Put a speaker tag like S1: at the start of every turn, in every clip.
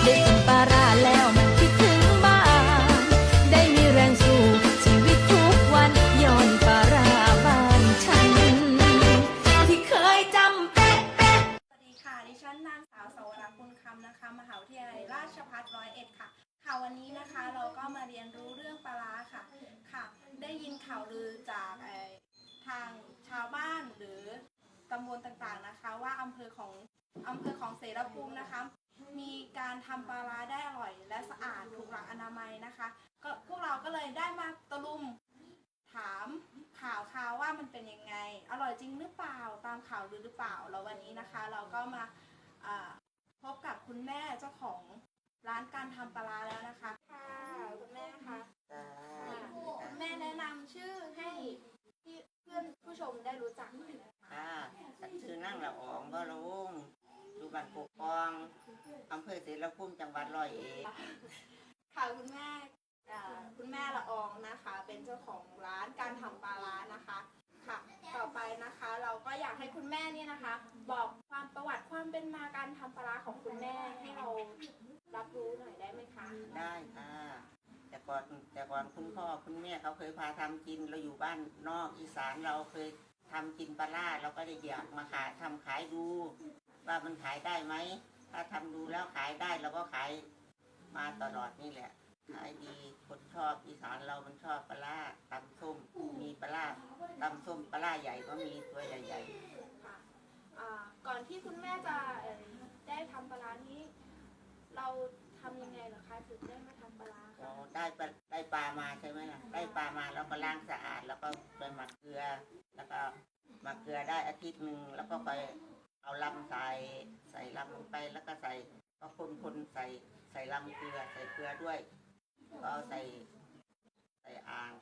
S1: ได้กินปลาร้าแล้วมันคิดถึงบ้านได้มีแรงสู้ชีวิตทุกวันย้อนปลาร้าบ้านฉันที่เคยจำเป๊ะเป๊ะ
S2: สวัสดีค่ะดิฉันนางสาวสวรักษ์บุญคำนะคะมหาวิทยาลัยราชภัฏ101ค่ะวันนี้นะคะเราก็มาเรียนรู้เรื่องปลาร้าค่ะได้ยินข่าวลือจากทางชาวบ้านหรือตำบลต่างๆนะคะว่าอำเภอของเสรภูมินะคะมีการทำปลาร้าได้อร่อยและสะอาดถูกหลักอนามัยนะคะก็พวกเราก็เลยได้มาตะลุมถามข่าวว่ามันเป็นยังไงอร่อยจริงหรือเปล่าตามข่าวหรือเปล่าแล้ววันนี้นะคะเราก็มาพบกับคุณแม่เจ้าของร้านการทำปลาร้าแล้วนะคะค่ะคุณแม่คะคุณแม่แนะนำชื่อให้เพื่อนผู้ชมได้รู้จักหน่อยนะคะ
S3: ชื่อนั่งละอองบ่ลุงอยู่บ้านกกองอำเภอเสรภูมิจังหวัด101
S2: ค่ะคุณแม่ละอองนะคะเป็นเจ้าของร้านการทำปลาร้านะคะค่ะต่อไปนะคะเราก็อยากให้คุณแม่เนี่ยนะคะบอกความประวัติความเป็นมาการทำปลาร้าของคุณแม่ให้เรารับรู้หน่อยได้ไหมคะ
S3: ได้ค่ะแต่ก่อนคุณพ่อคุณแม่เขาเคยพาทำกินเราอยู่บ้านนอกอีสานเราเคยทำกินปลาร้าเราก็ได้อยากมาขายดูว่ามันขายได้ไหมถ้าทำดูแล้วขายได้เราก็ขายมาตลอดนี่แหละขายดีคนชอบอีสานเรามันชอบปลาร้าตำส้มมีปลาร้าตำส้มปลาร้าใหญ่ก็มีตัวใหญ่ๆ
S2: ค่ะก่อนที่คุณแม่จะได้ทำปลาร้านี้เราทำยังไงเหรอคะถึงได้มาทำปลาร้า
S3: เราได้ปลามาใช่ไหมล่ะได้ปลามาแล้วก็ล้างสะอาดแล้วก็ไปหมักเกลือแล้วก็หมักเกลือได้อาทิตย์หนึ่งแล้วก็ไปเอาลำใส่ลำลงไปแล้วก็ก็คนใส่ลำเกลือใส่เกลือด้วยก็ใส่อ่าง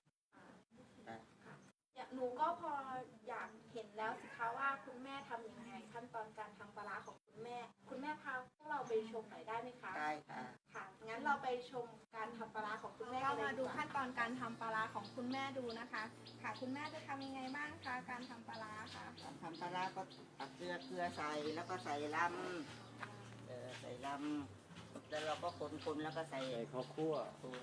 S2: หนูก็พออยากเห็นแล้วสิคะว่าคุณแม่ทำยังไงขั้นตอนการทำปลาร้าของคุณแม่พาพวกเราไปชมหน่อยได้ไหมคะ
S3: ได้ค่ะ
S2: งั้นเราไปชมการทำปลาร้าของคุณแม่เรามาดูขั้นตอนการทำปลาร้าของคุณแม่ดูนะคะคุณแม่จะทำยังไงบ้างคะการทำปลาร้าคะ
S3: การทำปลาร้าก็ตักเกลือใส่แล้วก็ใส่ลำแล้วเราก็คนแล้วก็ใส่ข้าวคั่ว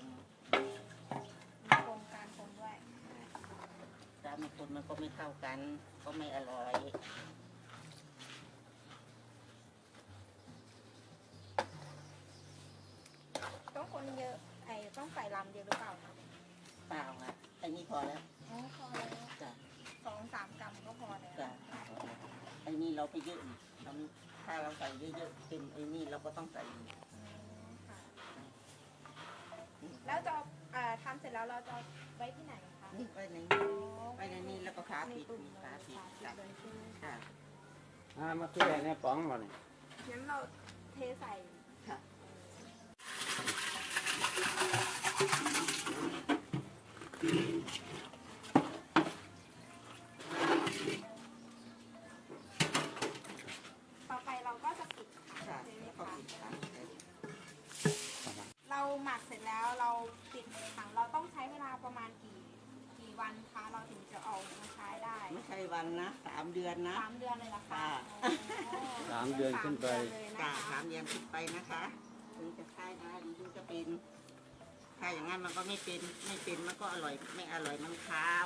S2: คนการคนด้วย
S3: ถ้าคนมันก็ไม่เข้ากันก็ไม่อร่อย
S2: ต้องคนเยอะต้องใส่ลำเยอะหรือเปล่าคะ
S3: เปล่าค่ะไอ้นี่พอแล้ว
S2: พอแล้วจ้ะ2-3 กรัมก็พอแล้ว
S3: จ้ะไอ้นี่เราไปเยอะถ้าเราใส่เยอะๆเป็นไอ้นี่เราก็ต้องใส่
S2: แล้วจะทำเสร็จแล้วเราจะไว้ที่ไหนคะ
S3: นี่ไว้ในนี้แล้วก็ฝาปิดค่ะ
S4: มาเพื่อเนี่ยป๋องมาเนี่ย
S2: งั้นเราเทใส่
S3: ค่ะ
S2: ต่อไปเราก็จะปิด
S3: ค่ะ
S2: เราหมักเสร็จแล้วเราปิดถังเราต้องใช้เวลาประมาณกี่วันคะเราถึงจะเอามาใช้ได้
S3: ไม่ใช่วันนะ3 เดือนนะ
S2: 3 เดือนเลยนะคะ
S4: 3 เดือนขึ้นไป
S3: 3 เดือนขึ้นไปนะคะถึงจะใช้ได้ถึงจะเป็นถ้าอย่างนั้นมันก็ไม่เป็นมันก็อร่อยไม่อร่อยมันคาว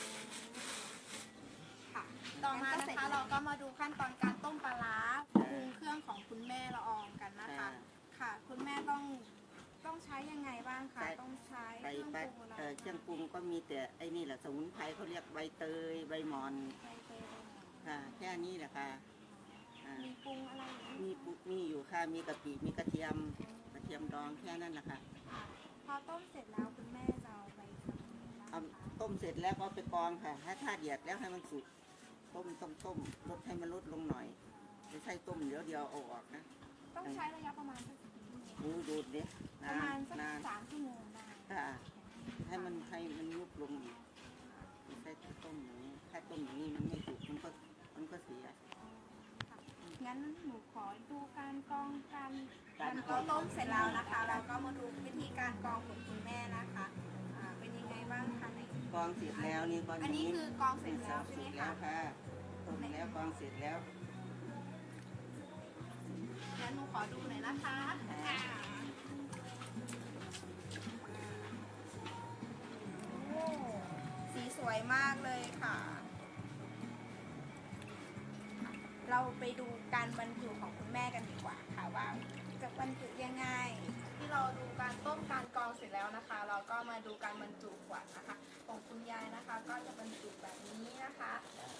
S2: ค่ะต่อมานะคะเราก็มาดูขั้นตอนการต้มปลาร้าปรุงเครื่องของคุณแม่ละอองกันนะคะค่ะคุณแม่ต้องใช้ยังไงบ้างคะต้องใช้เครื่องปรุงอะไร
S3: เครื่องปรุงก็มีแต่ไอ้นี่แหละสมุนไพรเขาเรียกใบเตยใบหมอนค่ะแค่นี้แหละค่ะ
S2: มีปรุงอะไร
S3: มีอยู่ค่ะมีกะปิมีกระเทียมดองแค่นั้นแหละค่ะ
S2: พอต้มเสร็จแล้วคุณแม่จะเอาไปท
S3: ำต้มเสร็จแล้วก็ไปกรองค่ะถ้าเดือดแล้วให้มันสุกต้มลดให้มันลดลงหน่อยไม่ใช่ต้มเดี๋ยวเอาออกนะ
S2: ต้องใช้ระยะประมาณ
S3: ดูดดิ
S2: ประมาณสัก3 ชั่วโมงได้
S3: ค่ะให้มันยุบลงอีกไม่ใช่ต้มอย่างนี้ถ้าต้มอย่างนี้มันไม่สุกมันก็เสีย
S2: งั้นหนูขอดูการกรองเราต้มเสร็จแล้วนะคะเราก็มาดูวิธีการกรองของคุณแม่นะคะเป็นยังไงบ้างคะใน
S3: กรองเสร็จแล้วนี่
S2: อันนี้คือกรองเสร็จแล้วใช่ไหมคะ
S3: ต้มแล้วกรองเสร็จแล้ว
S2: งั้นหนูขอดูหน่อยนะคะมากเลยค่ะ เราไปดูการบรรจุของคุณแม่กันดีกว่าค่ะว่าจะบรรจุยังไง ที่เราดูการต้มการกรองเสร็จแล้วนะคะ เราก็มาดูการบรรจุขวดนะคะ ของคุณยายนะคะ ก็จะบรรจุแบบนี้นะคะ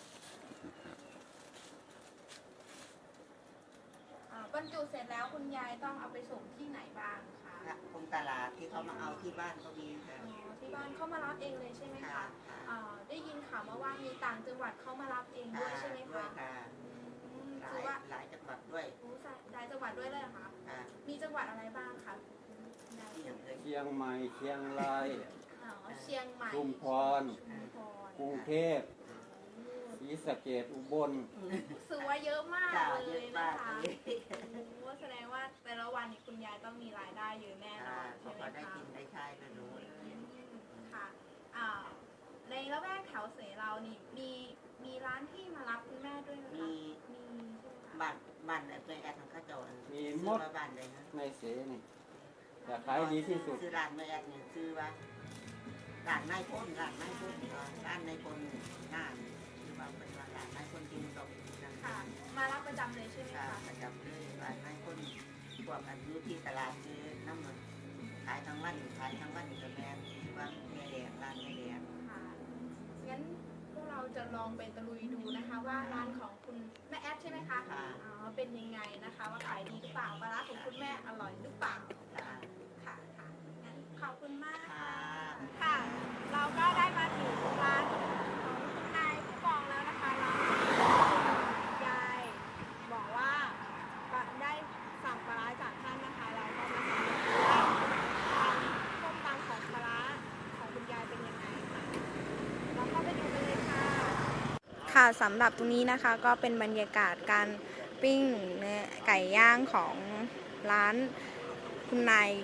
S2: บรรจุเสร็จแล้วคุณยายต้องเอาไปส่งที่ไหนบ้างคะ
S3: ตรงตลาดที่เขามาเอาที่บ้านก็มีค่ะ
S2: ที่บ้านเข้ามารับเองเลยใช่ไหมคะได้ยินข่าวมาว่ามีต่างจังหวัดเข้ามารับเองด้วยใช่ไหม
S3: ด้วย
S2: คะ
S3: ค่ะ
S2: คือว่า
S3: หลายจังหวัดด้วย
S2: หลายจังหวัดด้วยเลยเหรอคะ
S3: ค่ะ
S2: มีจังหวัดอะไรบ้างคะ
S3: ที่อย่างเอ่ย
S4: เชียงใหม่เชียงราย
S2: เชียงใหม่
S4: ชุมพร
S2: ชุมพร
S4: กรุงเทพศรีสะเกษอุบล
S2: รู้สึกว่าเยอะมาก
S3: จ้า
S2: เล
S3: เยอะ
S2: ย
S3: มา
S2: นะ
S3: ก
S2: คะ
S3: เลย
S2: โอ้แสดงว่าแต่ละวันนี่คุณยายต้องมีรายได้เยอะแน่นอน
S3: เขา
S2: ใช่ไหม
S3: ก็ได้
S2: คะ
S3: กินได้ใช้แล้วรู้
S2: ค่ะในละแวกแถวเสเรานี่มีร้านที่มารับคุณแม่ด้วยไหม
S3: มี
S2: คะมีใช่ไหมคะ
S3: บ้านเป็นแอดของข้าเจ้า
S4: มีหม
S3: ซื้อ
S4: ด
S3: มาบ้านเลยนะ
S4: ในเสนี่แต่ขายดีที่สุด
S3: ซื้อร้านแม่แอดเนี่ยซื้อว่าร้านนายพลร้านนายพลร้านนายพลหน้าคือว่าเป็นว่าร้านนายพลกินตกนั่น
S2: ค่ะ มารับประจำเลยใช่ไหม
S3: ค่ะ
S2: คะ
S3: ประจำเลยร้านนายพลพวกอันอยู่ที่ตลาดซื้อน้ำมันขายทั้งวันกับแม่ที่ว่าแม่แดงร้านแม่แดง
S2: ค่ะงั้นพวกเราจะลองไปตะลุยดูนะคะ ว่าร้านของคุณแม่แอดใช่ไหมคะ
S3: ค่ะ
S2: อ๋อเป็นยังไงนะคะ ว่าขายดีหรือเปล่าปลาร้าของคุณแม่อร่อยหรือเปล่า
S3: ค่ะ
S2: ค่ะค่ะงั้นขอบคุณมาก
S3: ค่ะ
S2: ค่ะ เราก็ได้มาถึงร้านของคุณนายผู้กองแล้วนะคะร้านคุณยายบอกว่าได้สั่งปลาร้าจากท่านนะคะ เราก็มาสั่งดูว่าการต้มตำของปลาร้าของคุณยายเป็นยังไงค่ะเราเข้าไปดูกันเลยค่ะ ค่ะสำหรับตรงนี้นะคะก็เป็นบรรยากาศการปิ้งเนื้อไก่ย่างของร้านคุณนาย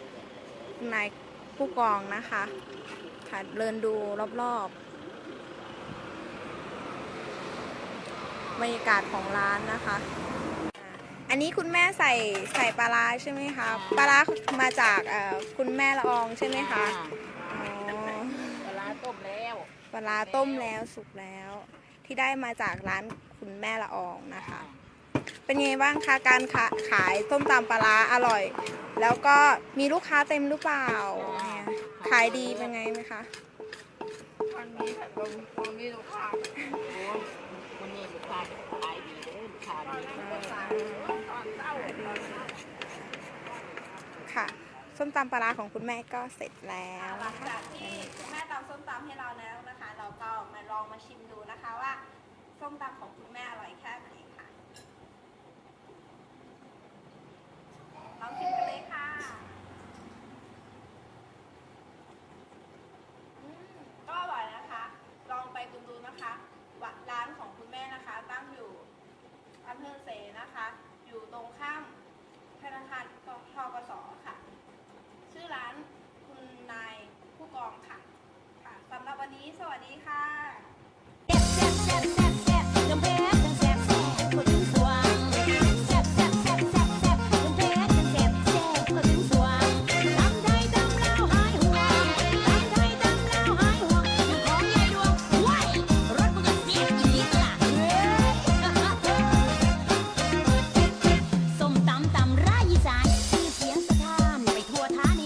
S2: ผู้กองนะคะค่ะเดินดูรอบๆบรรยากาศของร้านนะคะอันนี้คุณแม่ใส่ปลาร้าใช่ไหมคะปลาร้ามาจากคุณแม่ละอองใช่ไหมคะอ๋อ
S3: ปลาต้มแล้ว
S2: ปลาร้าต้มแล้วสุกแล้วที่ได้มาจากร้านคุณแม่ละอองนะคะ เป็นไงบ้างคะการขายส้มตำปลาร้าอร่อย แล้วก็มีลูกค้าเต็มหรือเปล่าเนี่ยขายดีเป็นไงไหมคะ
S3: วันนี้ค่ะวันนี้ลูกค้าวันนี้ลูกค้าขายดีเลยลูกค้าดีตอนเช้า
S2: ค่ะส้มตำปลาร้าของคุณแม่ก็เสร็จแล้ว
S5: หลัง
S2: นะคะ
S5: จากที่คุณแม่ตำส้มตำให้เราแล้วนะคะ เราก็มาลองมาชิมดูนะคะว่าส้มตำของคุณแม่อร่อยแค่ไหน